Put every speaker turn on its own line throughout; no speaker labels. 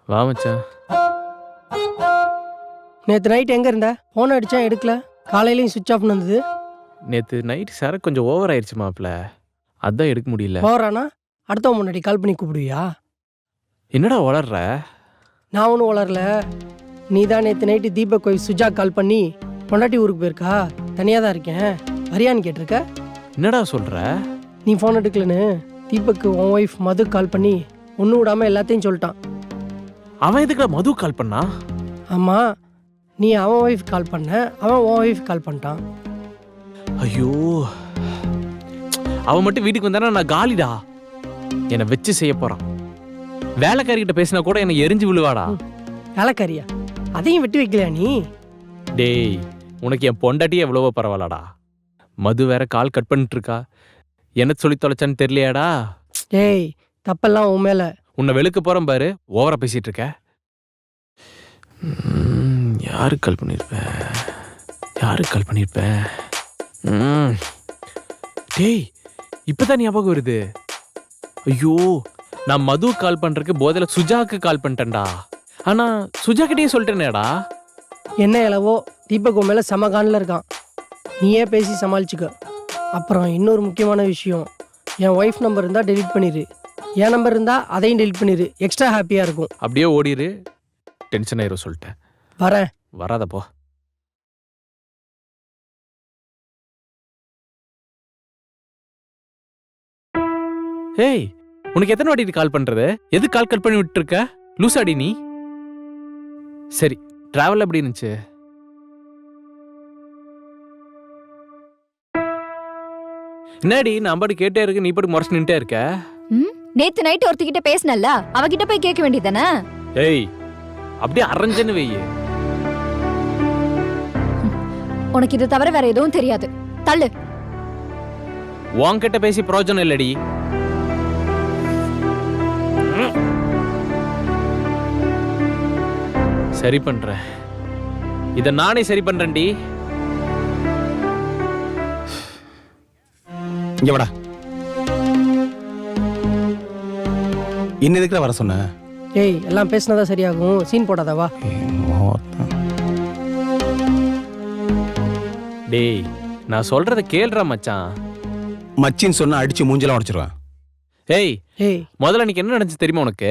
வா மச்சான்.
நேற்று நைட் எங்கே இருந்த? ஃபோன் அடித்தா எடுக்கல, காலையிலையும் சுவிட்ச் ஆஃப்னு வந்தது.
நேற்று நைட் சரக்கு கொஞ்சம் ஓவர் ஆயிடுச்சு மாப்பிள்ள, அதான் எடுக்க முடியல.
போகிறானா அடுத்தவன் முன்னாடி கால் பண்ணி கூப்பிடுவியா?
என்னடா வளர்ற?
நான் ஒன்றும் வளரல. நீ தான் நேற்று night Deepak wife Suja call பண்ணி பொண்டாட்டி ஊருக்கு போயிருக்கா, தனியாக தான் இருக்கேன் வரியான்னு கேட்டிருக்க.
என்னடா சொல்ற?
நீ ஃபோன் எடுக்கலன்னு தீபக்கு உன் ஒய்ஃப் மது கால் பண்ணி ஒன்றும் விடாமல் எல்லாத்தையும் சொல்லிட்டான்.
அவன் எதுக்குடா மது கால் பண்ணா?
ஆமாம், நீ அவன் ஒய்ஃப் கால் பண்ண, அவன் உன் ஒய்ஃப் கால் பண்ணிட்டான்.
ஐயோ, அவன் மட்டும் வீட்டுக்கு வந்தானா நான் காலிடா. என்னை வச்சு செய்ய போறான். வேலைக்காரிகிட்ட பேசினா கூட என்னை எரிஞ்சு விழுவாடா.
வேலைக்காரியா? அதையும் வெட்டி வைக்கலையா நீ?
டேய், உனக்கு என் பொண்டாட்டியே எவ்வளவோ பரவாயில்லடா. மது வேற கால் கட் பண்ணிட்டு இருக்கா. என்ன சொல்லி தொலைச்சான்னு தெரியலையாடா.
டேய், தப்பெல்லாம் உன் மேலே.
உன்னை வெளுக்க போறேன் பாரு, ஓவரா பேசிட்டு இருக்க. யாருக்கு கால் பண்ணியிருப்பேன்? யாருக்கு கால் பண்ணியிருப்பேன்? டேய், இப்பதான் ஞாபகம் வருது. ஐயோ, நான் மது கால் பண்றதுக்கு போதில சுஜாக்கு கால் பண்ணிட்டேன்டா. ஆனா சுஜா கிட்டே சொல்லிட்டேனேடா.
என்ன இளவோ, தீபக் உன் மேலே சமகானில் இருக்கான். நீயே பேசி சமாளிச்சுக்க. அப்புறம் இன்னொரு முக்கியமான விஷயம், என் ஒய்ஃப் நம்பர் இருந்தால் டெலிட் பண்ணிடு, என் நம்பர் இருந்தால் அதையும் டெலிட் பண்ணிடு. எக்ஸ்ட்ரா ஹாப்பியாக இருக்கும்.
அப்படியே ஓடிடு, டென்ஷன் ஆயிரும் சொல்லிட்டேன்.
வரேன்.
வராதப்போ. ஏய், உனக்கு எத்தனை வாட்டி கால் பண்றது? எது கால் கட் பண்ணி விட்டு இருக்க? லூசாடி நீ. சரி, டிராவல் எப்படி இருந்துச்சு? என்னடி நான் பாட்டு கேட்டே இருக்கு, நீ பாட்டு முறைச்சு நின்ட்டே இருக்க.
நேத்து நைட் ஒருத்திக்கிட்ட பேசினல்ல, அவகிட்ட போய் கேட்க வேண்டியதானே?
ஏய், அப்படியே அரஞ்சன்னு வெய்ய.
உனக்கு இது தவிர வேற எதுவும் தெரியாது, தள்ளு.
உன்கிட்ட பேசி பிரயோஜனம் இல்லடி. சரி பண்றேன், இத நானே சரி பண்றேன்டி.
இங்க வாடா. இன்னும் எதுக்குல வர சொன்ன?
ஏய், எல்லாம் பேசினதா சரியாகும், சீன் போடாதவா.
டேய், நான் சொல்றத கேளுடா மச்சான்.
மச்சின்னு சொன்னா அடிச்சு மூஞ்செல்லாம் உடைச்சிருவேன்.
ஏய்
ஏய்,
முதல்ல அன்னைக்கு என்ன நடந்துச்சு தெரியுமா உனக்கு?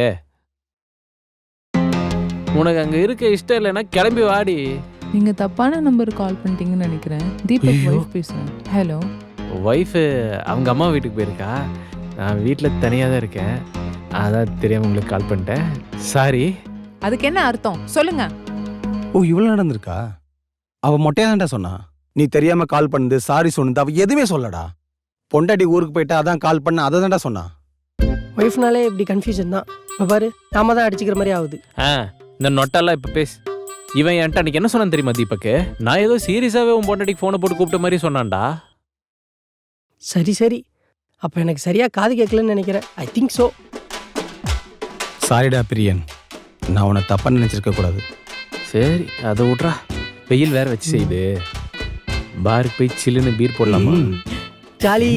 உனக்கு அங்க இருக்க இஷ்டம் இல்லைன்னா கிளம்பி வாடி.
நீங்க தப்பான நம்பர் கால் பண்ணிட்டீங்கன்னு நினைக்கிறேன். தீபக் வைஃப் பேசுறேன். ஹலோ.
ஒய்ஃபு அவங்க அம்மா வீட்டுக்கு போயிருக்கா, நான் வீட்டில் தனியாக தான் இருக்கேன், அதான் தெரியாம உங்களுக்கு கால் பண்ணிட்டேன். சாரி.
அதுக்கு என்ன அர்த்தம் சொல்லுங்க.
ஓ, இவ்வளவு நடந்திருக்கா? அவ மொட்டையா தான்டா சொன்னா. நீ தெரியாம கால் பண்ணது, சாரி சொன்னது அவ எதுவுமே சொல்லடா. பொண்டாட்டி ஊருக்கு போயிட்டா அதான் கால் பண்ண, அதை தான்டா சொன்னா.
ஒய்ஃப்னாலே இப்படி கன்ஃபியூஷன் தான். இப்போ பாரு, நாம தான் அடிச்சுக்கிற மாதிரி ஆகுது.
இந்த நொட்டெல்லாம் இப்போ பேசு. இவன் என்கிட்ட அன்னைக்கு என்ன சொன்னான் தெரியுமா தீபக்கு? நான் ஏதோ சீரியஸாகவே உன் பொண்டாட்டிக்கு ஃபோனை போட்டு கூப்பிட்ட மாதிரி சொன்னான்டா.
சரி சரி, அப்போ எனக்கு சரியாக காது கேட்கலன்னு நினைக்கிறேன். I think so.
சாரிடா பிரியன், நான் உன்னை தப்பா நினைச்சிருக்க கூடாது.
சரி, அதை விட்றா. வெயில் வேற வச்சு செய்யுது, பாருக்கு போய் சில்லுன்னு பீர் போடலாமா?
ஜாலி.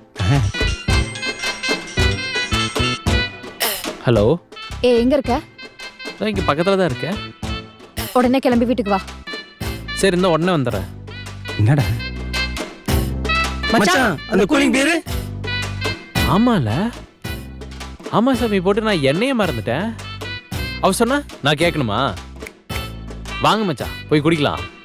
ஹலோ.
எங்க இருக்க?
நான் இங்கே பக்கத்தில் தான் இருக்கேன்.
உடனே கிளம்பி வீட்டுக்கு வா.
சரி, இந்த உடனே வந்துடுறேன்.
என்னடா மச்சான், அந்த கூலிங் பேரு?
ஆமால, ஆமா சாமி, போட்டு நான் எண்ணெயே மறந்துட்டேன். அவ சொன்னா நான் கேட்கணுமா? வாங்க மச்சான், போய் குடிக்கலாம்.